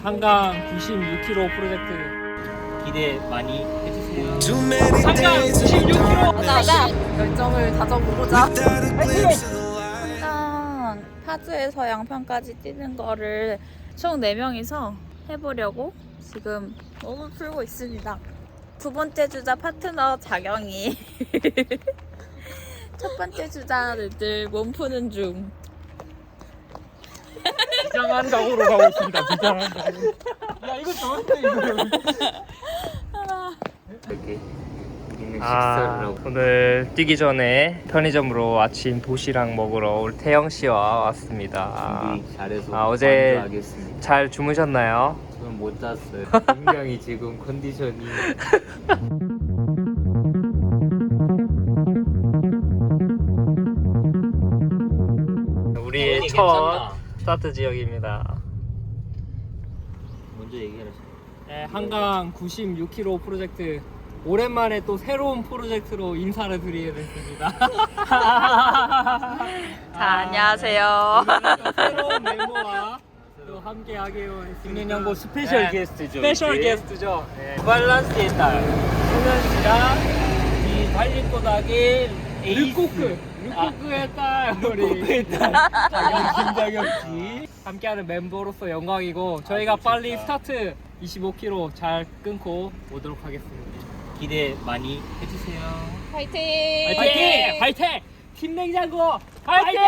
한강 96km 프로젝트 기대 많이 해주세요. 한강 96km 가자. 결정을 다져보고자. 한강 파주에서 양평까지 뛰는 거를 총 4명이서 해보려고 지금 몸을 풀고 있습니다. 두 번째 주자 파트너 자경이 첫 번째 주자들 몸 푸는 중. 비장한 각오로 가고 있습니다. 비장한 각오. 야 이거 좋은데 이거. 이렇게 있는 식사를 하고 오늘 뛰기 전에 편의점으로 아침 도시락 먹으러 우리 태영 씨와 왔습니다. 준비 잘해서 어제 완주하겠습니다. 잘 주무셨나요? 저는 못 잤어요. 굉장히 지금 컨디션이 우리의 첫 스타트 지역입니다. 먼저 얘기하시죠. 네, 한강 96km 프로젝트 오랜만에 또 새로운 프로젝트로 인사를 드리게 됐습니다. 자, 안녕하세요. 오늘은 또 새로운 멤버와 또 함께 하기로 했습니다. 김민영고 스페셜 네, 게스트죠. 스페셜 이게. 게스트죠. 네. 밸런스의 딸 소년 씨랑 이 달리꼬닥의 르코크의 딸 우리 르코크의 딸 김장혁 씨. 함께하는 멤버로서 영광이고 저희가 빨리 스타트 25km 잘 끊고 오도록 하겠습니다. 기대 많이 해주세요. 화이팅! 화이팅! 화이팅! 팀 냉장고 화이팅!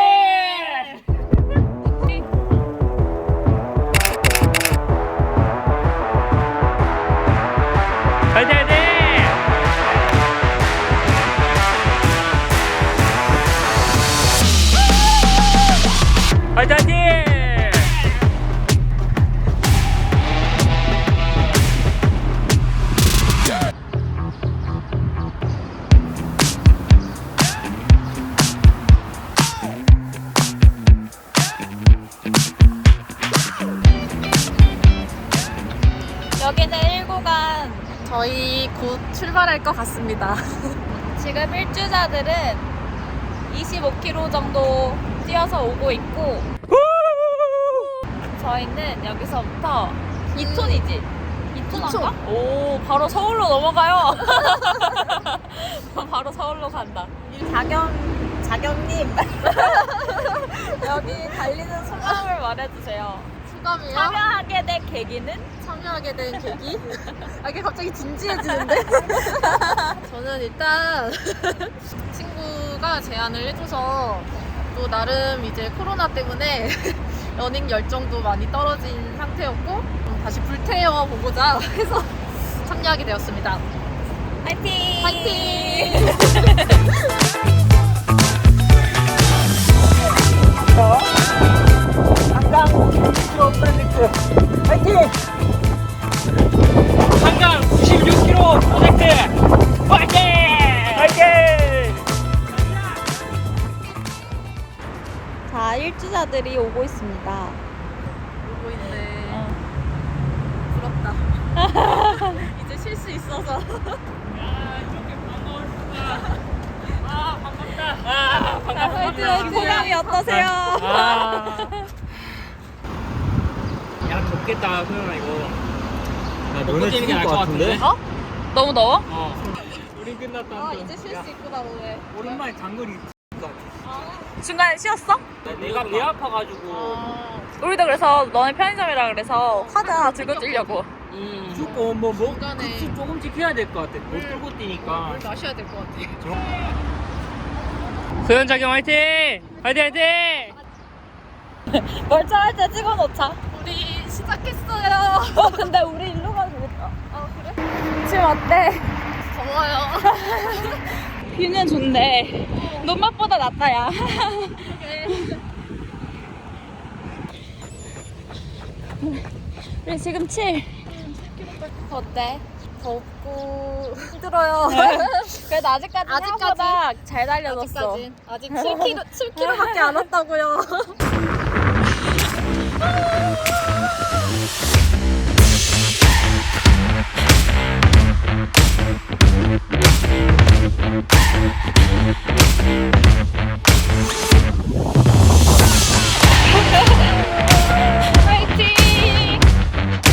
화이팅! 화이팅! 화이팅! 화이팅! 여기는 1구간. 저희 곧 출발할 것 같습니다. 지금 1주자들은 25km 정도 뛰어서 오고 있고 저희는 여기서부터 2톤이지? 2톤인가? 오, 바로 서울로 넘어가요. 바로 서울로 간다. 자경님 여기 달리는 소감을 말해주세요. 소감이요? 참여하게 된 계기는? 참여하게 된 계기? 아, 이게 갑자기 진지해지는데? 저는 일단 친구가 제안을 해줘서 또 나름 이제 코로나 때문에 러닝 열정도 많이 떨어진 상태였고 다시 불태워 보고자 해서 참여하게 되었습니다. 화이팅! 화이팅! 한강 96km 프로젝트 화이팅! 한강 96km 프로젝트 화이팅! 화이팅! 자, 1주자들이 오고 있습니다. 오고 있네. 부럽다. 이제 쉴 수 있어서. 야, 이렇게 반가웠습니다. 아, 반갑다. 아, 반갑습니다. 소감이 어떠세요? 야, 덥겠다, 소연아, 이거. 야, 너네 뛰는 게 나을 것 같은데? 어? 너무 더워? 우리 끝났다. 아, 이제 쉴 수 있구나, 오늘. 오랜만에 장거리. 중간에 쉬었어? 내가 배 아파가지고. 우리도 그래서 너네 편의점이라 그래서 화자 들고 뛰려고. 무조건 뭐 중간에. 급수 조금씩 해야 될 것 같아. 못 들고 뛰니까. 물 마셔야 될 것 같아. 소연 자경 화이팅! 화이팅 화이팅! 멀쩡할 때 찍어놓자. 우리 시작했어요. 근데 우리 일로 가도 되겠다. 아, 그래? 지금 어때? 더워요. 뷰는 좋네. 눈맛보다 낫다, 야. 우리 지금 7. 어때? 덥고 힘들어요. 그래도 아직까지 생각보다 잘 달려줬어. 아직까지. 아직 7km밖에 안 왔다고요. 화이팅!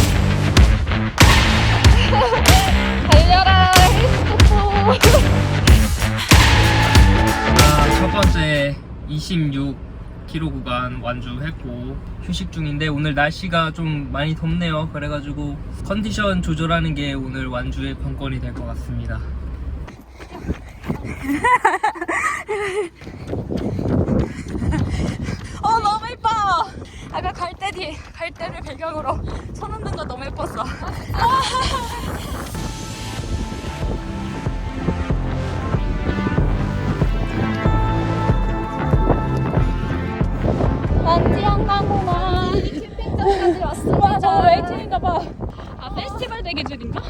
26km 구간 완주했고 휴식 중인데 오늘 날씨가 좀 많이 덥네요. 그래가지고 컨디션 조절하는 게 오늘 완주의 관건이 될 것 같습니다. 너무 예뻐. 아까 갈대를 배경으로 손 흔든 거 너무 예뻤어. 난지영강공원 캠핑장까지 왔어. 와, 저거 웨이팅인가봐. 아, 페스티벌 대기줄인가?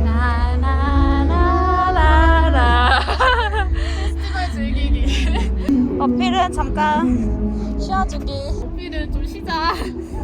나나나나나. 페스티벌 즐기기. 어필은 잠깐 쉬어주기. 우리는 좀 쉬자.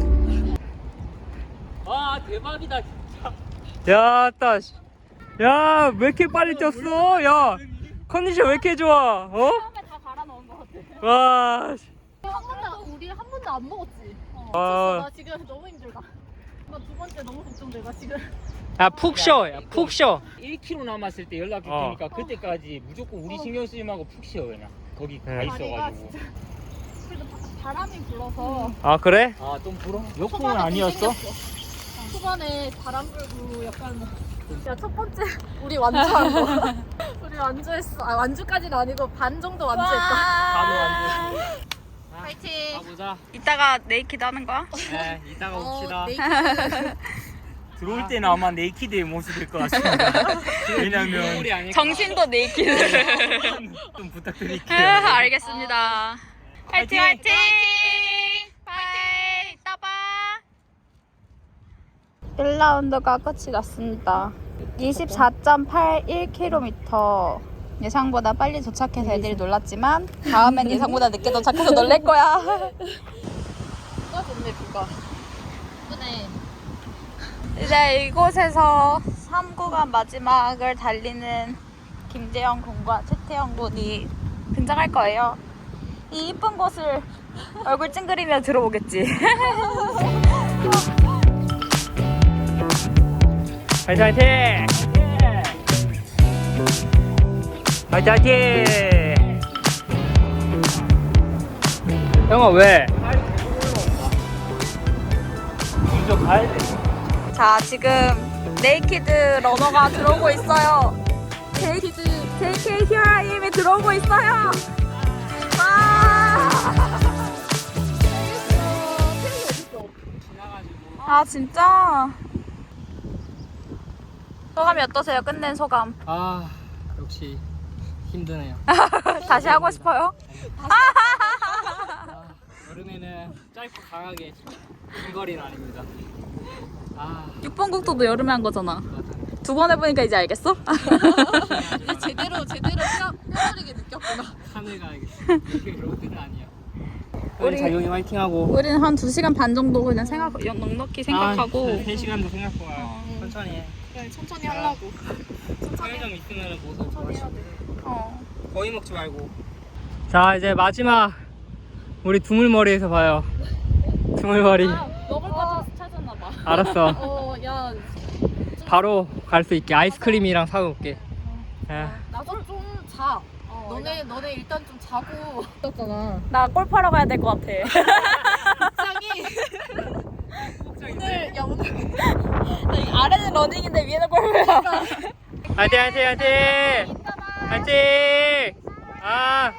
와 대박이다 진짜. 야 따. 야 왜 이렇게 빨리 뛰었어? 야 컨디션 왜 이렇게 좋아? 어? 처음에 다 갈아 넣은 것 같아. 와. 우리 한 번도 안 먹었지. 아. 나 지금 너무 힘들다. 나 두 번째 너무 걱정돼. 나 지금. 야푹 쉬어. 야 푹 쉬어. 1km 남았을 때 연락이 어. 되니까 그때까지 무조건 우리 신경 쓰지 말고 푹 쉬어 그냥. 거기 가 네. 다리가 있어가지고. 진짜. 그래도 바람이 불어서. 아 그래? 아 좀 불어? 역풍은 초반에 아니었어? 생겼어. 초반에 바람 불고 약간. 야, 첫 번째 우리 완주한 거. 우리 완주했어. 아, 완주까지는 아니고 반 정도 완주했다. 바로 완주. 파이팅. 가보자. 이따가 네이키드 하는 거야? 네 이따가 옵시다. 들어올 때는 아마 네이키드의 모습일 것 같습니다. 왜냐면 우리 아닐까? 정신도 네이키드. 좀 부탁드릴게요. 알겠습니다. 화이팅 화이팅! 파이팅! 이따 봐. 1라운드가 끝이 났습니다. 24.81km. 예상보다 빨리 도착해서 애들이 놀랐지만 다음엔 예상보다 늦게 도착해서 놀랄 거야. 누가 좋네, 누가. 예쁘네. 이제 이곳에서 3구간 마지막을 달리는 김재영 군과 최태영 군이 등장할 거예요. 이 이쁜 곳을 얼굴 찡그리며 들어오겠지. 화이팅 화이팅! 화이팅 화이팅! 형아 왜? 먼저 가야 돼. 자, 지금 네이키드 러너가 들어오고 있어요. JK Here I Am이 들어오고 있어요. 와! 아, 진짜? 소감이 어떠세요? 끝낸 소감. 아 역시 힘드네요. 다시 하고 싶어요? 아, 여름에는 짧고 강하게 긴 거리는 아닙니다. 아 6번 국도도 여름에 한 거잖아. 두 번 해보니까 이제 알겠어? 이제 제대로 뼈저리게 느꼈구나. 산을 가야겠어. 이게 로드는 아니야. 우리- 우리 자경이 화이팅하고. 우리는 한 2시간 반 정도 그냥 넉넉히 생각하고 3시간도 생각보다 천천히 해. 그래, 천천히 하려고. 편의점 있으면 모두 천천히 해야 돼. 거의 먹지 말고. 자 이제 마지막 우리 두물머리에서 봐요. 두물머리. 먹을 거 좀 찾았나 봐. 알았어. 야, 바로 갈 수 있게 아이스크림이랑 사올게. 나도 좀 자. 너네 일단 좀 자고. 있었잖아. 나 골프하러 가야 될 것 같아. 오늘 야 오늘 아래는 러닝인데 위에는 골프야. 화이팅 화이팅 화이팅 화이팅. 아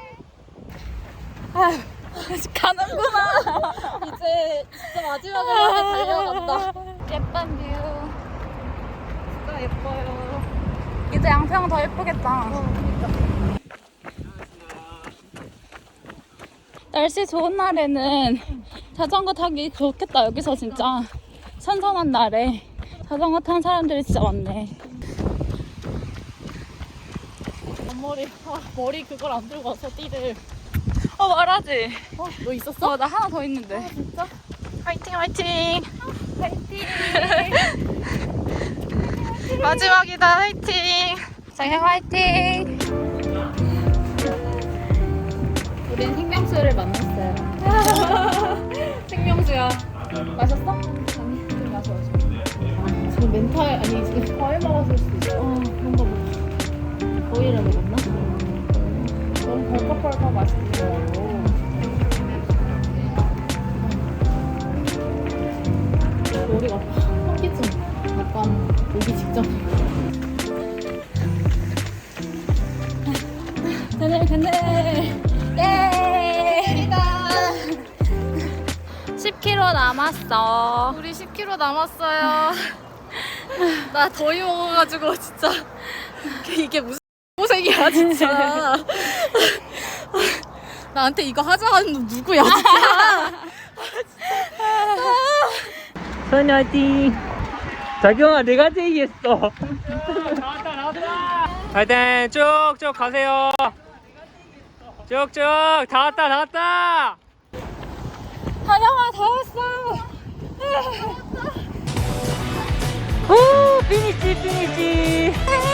가는구나. 이제 진짜 마지막으로 달려간다. 예쁜 뷰. 진짜 예뻐요. 이제 양평 더 예쁘겠다. 날씨 좋은 날에는 자전거 타기 좋겠다. 여기서 진짜 선선한 날에 자전거 탄 사람들이 진짜 많네. 머리 그걸 안 들고 와서 띠를. 말하지. 너 있었어? 나 하나 더 있는데. 진짜? 화이팅 화이팅. 화이팅. 마지막이다. 화이팅. 장현 화이팅. 우린 생명수를 만났어요. 생명수야. 마셨어? 아니, 좀 마셔. 지금 멘탈 아니 지금 과일 먹었을 수도 있어. 그런가 보다. 거위를 먹었나? 너무 벌컥벌컥 맛있더라고. 머리가 현기증 약간 오기 직전에. 그늘 예 10km 남았어. 우리 10km 남았어요. 나 더위 먹어가지고 진짜 이게 무슨 고생이야 진짜. 나한테 이거 하자는 놈 누구야 진짜. 선이 화이팅! 자경아 내가 제의했어. 화이팅! 쭉쭉 가세요. 쭉쭉 다 왔다. 다영아 다 왔어. 오 피니시.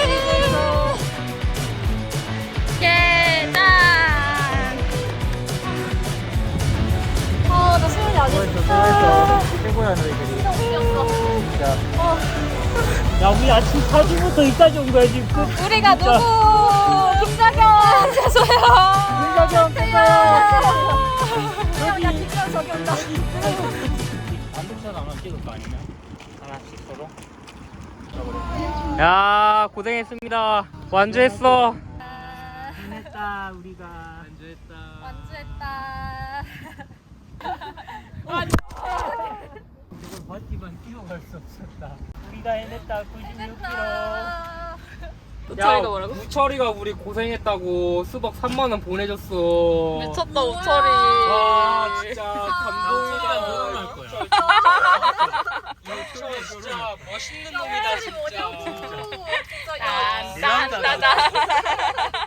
예, 짠. 나 수현이 아직 수고했어. 최고야 너희들이. 진짜. 야 우리 아침 4시부터 이까지 온 거야 지금. 우리가 누구? 김자경 죄송해요. 김자경 죄송해요. 야 김자경 저기 온다. 안동선 하나 찍을 거 아니면? 하나씩 서로. 야 고생했습니다. 완주했어. 해냈다 우리가. 지금 버티면 뛰어갈 수 없었다. 우리가 해냈다 96km. 우철이가 뭐라고? 우철이가 우리 고생했다고 수박 3만 원 보내줬어. 미쳤다 우철이. 와 진짜 감동이다. 결혼할 거야. 우철 진짜 멋있는 놈이다 진짜. 짠짠짠짠.